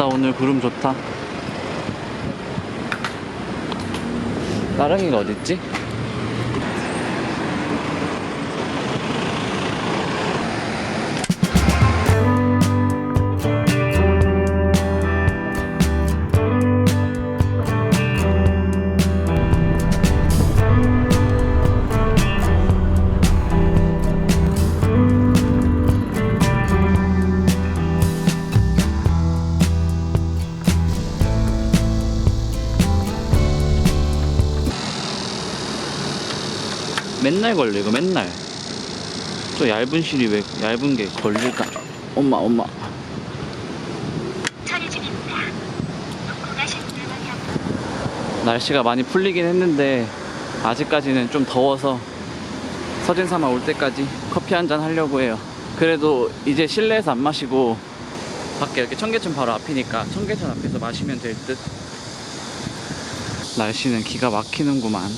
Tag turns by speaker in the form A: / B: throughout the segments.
A: 오늘 구름 좋다. 나랑이가 어딨지? 맨날 걸려 이거 맨날. 저 얇은 실이 왜 얇은 게 걸릴까? 엄마
B: 처리 중입니다.
A: 날씨가 많이 풀리긴 했는데 아직까지는 좀 더워서 서진사마 올 때까지 커피 한잔 하려고 해요. 그래도 이제 실내에서 안 마시고 밖에 이렇게 청계천 바로 앞이니까 청계천 앞에서 마시면 될 듯. 날씨는 기가 막히는구만.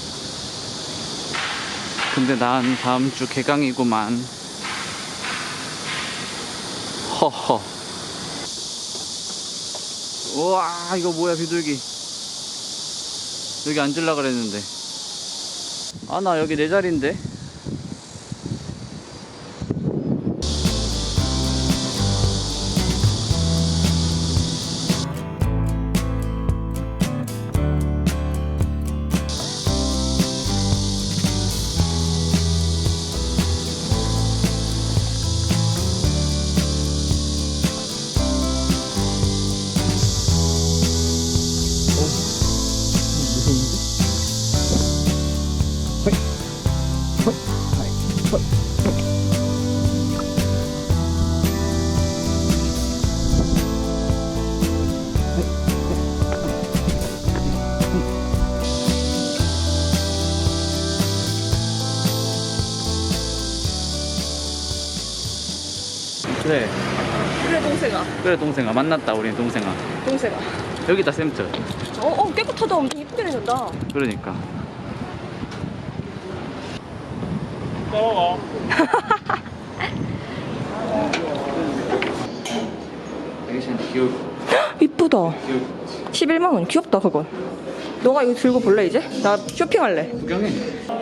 A: 근데 난 다음 주 개강이구만. 허허. 우와, 이거 뭐야, 비둘기. 여기 앉으려고 그랬는데. 아, 나 여기 내 자리인데. 그래
B: 동생아.
A: 그래 동생아, 만났다. 우리 동생아. 여기다 샘트.
B: 깨끗하다. 엄청 이쁘게 내준다.
A: 그러니까
C: 따라가.
A: 되게 귀여울 거.
B: 이쁘다.
A: 귀여울 거.
B: 11만 원. 귀엽다 그건. 너가 이거 들고 볼래 이제? 나 쇼핑할래.
A: 구경해.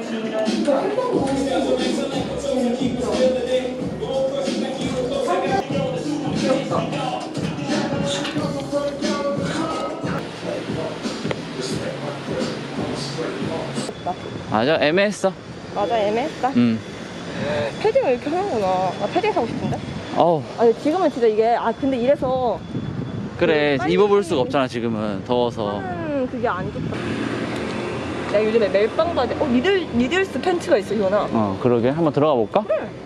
A: 맞아, 애매했어.
B: 맞아, 애매했다. 패딩을 이렇게 하는구나. 나 패딩 사고 싶은데?
A: 어우,
B: 아니 지금은 진짜 이게 근데 이래서
A: 그래.
B: 빨리
A: 입어볼 수가 없잖아 지금은 더워서.
B: 그게 안 좋다. 내가 요즘에 멜빵 바지 니들스 팬츠가 있어, 이거나.
A: 그러게. 한번 들어가 볼까?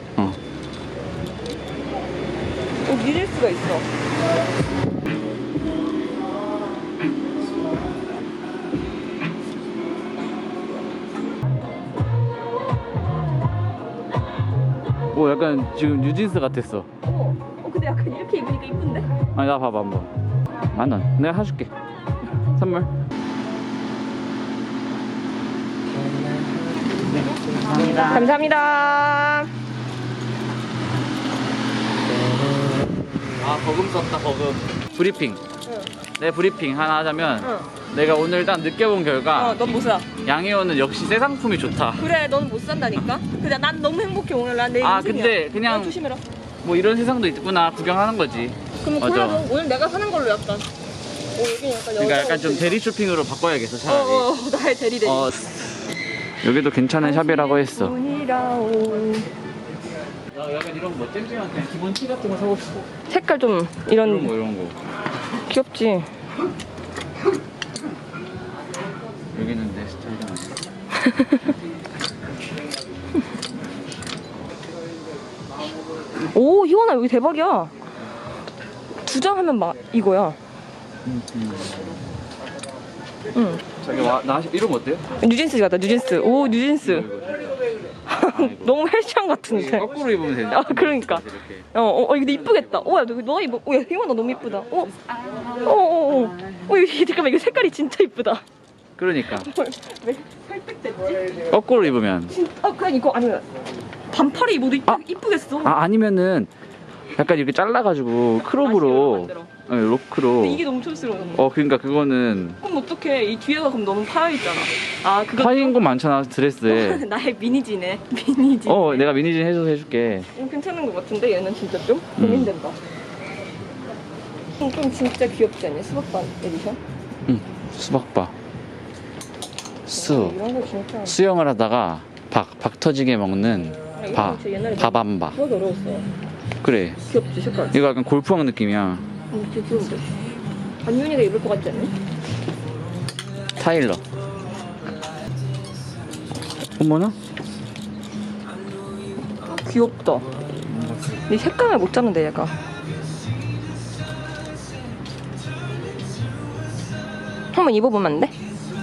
B: 니들스가 있어.
A: 오, 약간 지금 뉴진스 같았어.
B: 근데 약간 이렇게 입으니까 이쁜데?
A: 아니, 나 봐봐 한번. 10,000원. 내가 사줄게. 선물.
B: 감사합니다.
A: 버금 썼다, 버금. 브리핑.
B: 응.
A: 내 브리핑 하나 하자면,
B: 응.
A: 내가 오늘 딱 느껴본 결과,
B: 넌 못 사.
A: 양혜원은 역시 새 상품이 좋다.
B: 그래, 너는 못 산다니까? 근데 난 너무 행복해, 오늘. 난 내 인생이야.
A: 근데 그냥
B: 조심해라.
A: 뭐 이런 세상도 있구나 구경하는 거지.
B: 그럼
A: 맞아.
B: 골라, 오늘 내가 사는 걸로 약간. 여기 약간
A: 그러니까 약간 좀 대리 쇼핑으로 바꿔야겠어 차라리.
B: 나의 대리.
A: 여기도 괜찮은 샵이라고 했어. 약간 이런 거 잼잼한 그냥 기본 티 같은 거 사고 싶어.
B: 색깔 좀
A: 이런 거.
B: 귀엽지?
A: 여기는 내 스타일이 아니야.
B: 오, 희원아, 여기 대박이야. 2장 하면 이거야. 응.
A: 자기 나 이런 거 어때요?
B: 뉴진스 같다, 뉴진스. 오, 뉴진스. 너무 헬스장 같은데.
A: 거꾸로 입으면 되지.
B: 그러니까. 이거 근데 이쁘겠다. 야, 너가 입어. 야, 희원아, 너무 이쁘다. 잠깐만, 이거 색깔이 진짜 이쁘다.
A: 그러니까.
B: 왜 설득됐지?
A: 거꾸로 입으면.
B: 그냥 이거 아니면 반팔에 입어도 이쁘겠어.
A: 아니면은 약간 이렇게 잘라가지고 크롭으로 로크로.
B: 근데 이게 너무 촌스러워.
A: 그러니까 그거는
B: 그럼 어떡해. 이 뒤에가 그럼 너무 파여있잖아. 아, 그거.
A: 파인 거 많잖아 드레스에.
B: 나의 미니지네. 미니지.
A: 내가 미니진 해줘서 해줄게.
B: 괜찮은 것 같은데 얘는 진짜 좀 고민된다. 좀 진짜 귀엽지 않냐? 수박반 에디션?
A: 응. 수박바.
B: 이런 거 진짜.
A: 수영을 하다가 박 터지게 먹는
B: 이런 거 진짜 옛날에
A: 바밤바.
B: 그거 어려웠어.
A: 그래.
B: 귀엽지 색깔.
A: 이거 약간 골프왕 느낌이야.
B: 진짜 귀여운데. 안윤이가 입을 것 같지 않니?
A: 타일러. 어머나?
B: 귀엽다. 이 색감을 못 잡는데 얘가. 한번 입어보면 안 돼?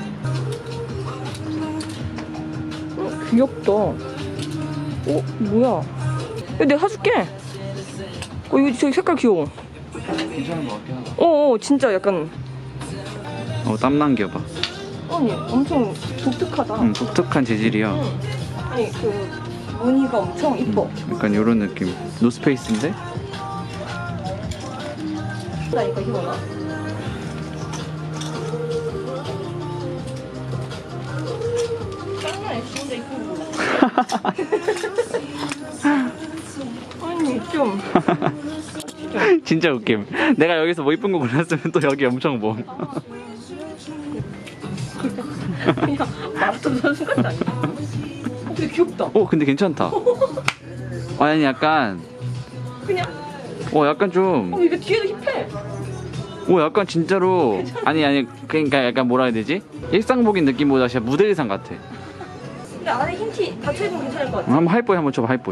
B: 귀엽다. 뭐야? 야, 내가 사줄게. 이거 저기 색깔 귀여워.
A: 괜찮은 거 같긴 하다.
B: 진짜 약간.
A: 땀난 겨 봐.
B: 아니, 엄청 독특하다.
A: 독특한 재질이야.
B: 응. 아니, 그 무늬가 엄청 이뻐.
A: 약간 요런 느낌. 노스페이스인데?
B: 나 이거 입어봐. 짱나네, 진짜 이쁜 거. 아니, 좀.
A: 진짜 웃김. 내가 여기서 뭐 이쁜 거 골랐으면 또 여기 엄청 뭐.
B: 그냥 마라톤 선수 같지 않냐? 근데 귀엽다.
A: 근데 괜찮다. 아니 약간
B: 그냥.
A: 약간 좀
B: 이거 뒤에도 힙해.
A: 약간 진짜로 아니 그러니까 약간 뭐라 해야 되지? 일상복인 느낌보다 진짜 무대 의상 같아.
B: 근데 안에 흰티 닫혀 입으면 괜찮을 것 같아.
A: 한번 하이보이 한번 쳐봐 하이보이.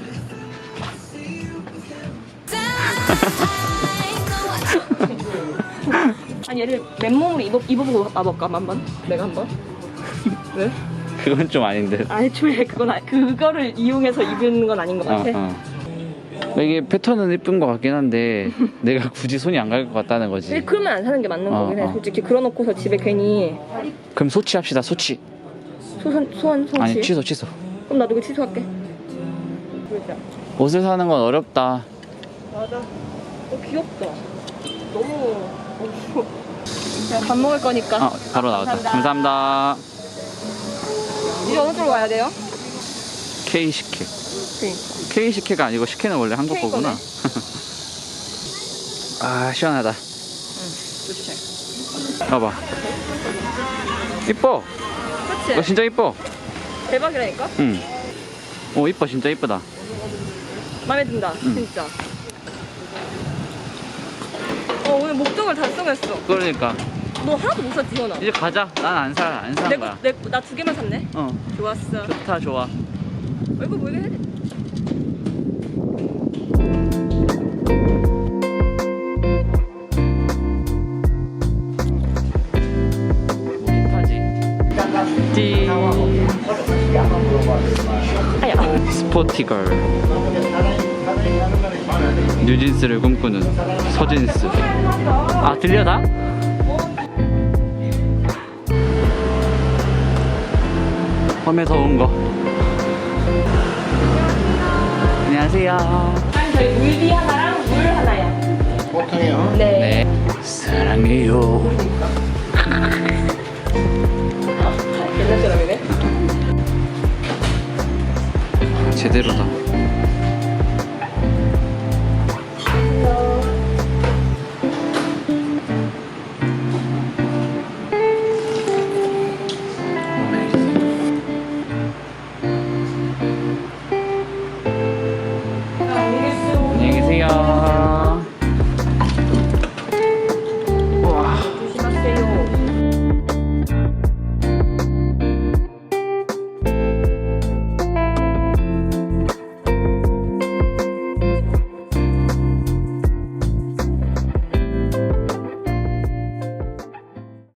B: 아니 얘를 맨몸으로 입어보고 와볼까 한번? 내가 한번? 왜?
A: 그건 좀 아닌데.
B: 애초에 그거를 이용해서 입는 건 아닌 것 같아.
A: 이게 패턴은 예쁜 것 같긴 한데 내가 굳이 손이 안 갈 것 같다는 거지.
B: 근데 그러면 안 사는 게 맞는 거긴 해. 솔직히 그러놓고서 집에 괜히
A: 그럼 소치 합시다. 소치.
B: 소원
A: 아니 취소.
B: 그럼 나도 이거 취소할게. 그러자.
A: 옷을 사는 건 어렵다.
B: 맞아. 귀엽다. 너무. 제가 밥 먹을 거니까.
A: 바로 나왔다. 감사합니다.
B: 이제 어느 쪽으로 가야 돼요?
A: K식혜.
B: 그러니까.
A: K식혜가 아니고 식혜는 원래 한국
B: K
A: 거구나.
B: 거네.
A: 시원하다.
B: 좋지.
A: 봐봐. 이뻐.
B: 그치?
A: 진짜 이뻐.
B: 대박이라니까?
A: 응. 이뻐. 진짜 이쁘다.
B: 마음에 든다. 진짜. 오늘 목적을 달성했어.
A: 그러니까
B: 너 하나도 못 샀지, 현아?
A: 이제 가자. 난 안 사는 거야.
B: 나 2개만 샀네? 좋았어.
A: 좋다 좋아.
B: 이거 뭐 이거 해야 돼?
A: 띠.
B: 아야.
A: 스포티걸. 뉴진스를 꿈꾸는 서진스. 들려 다? 밤에 더운 거. 안녕하세요.
B: 저희 물비 하나랑 물 하나요.
C: 보통이요.
B: 네.
A: 사랑해요.
B: 옛날 사람이네.
A: 제대로다.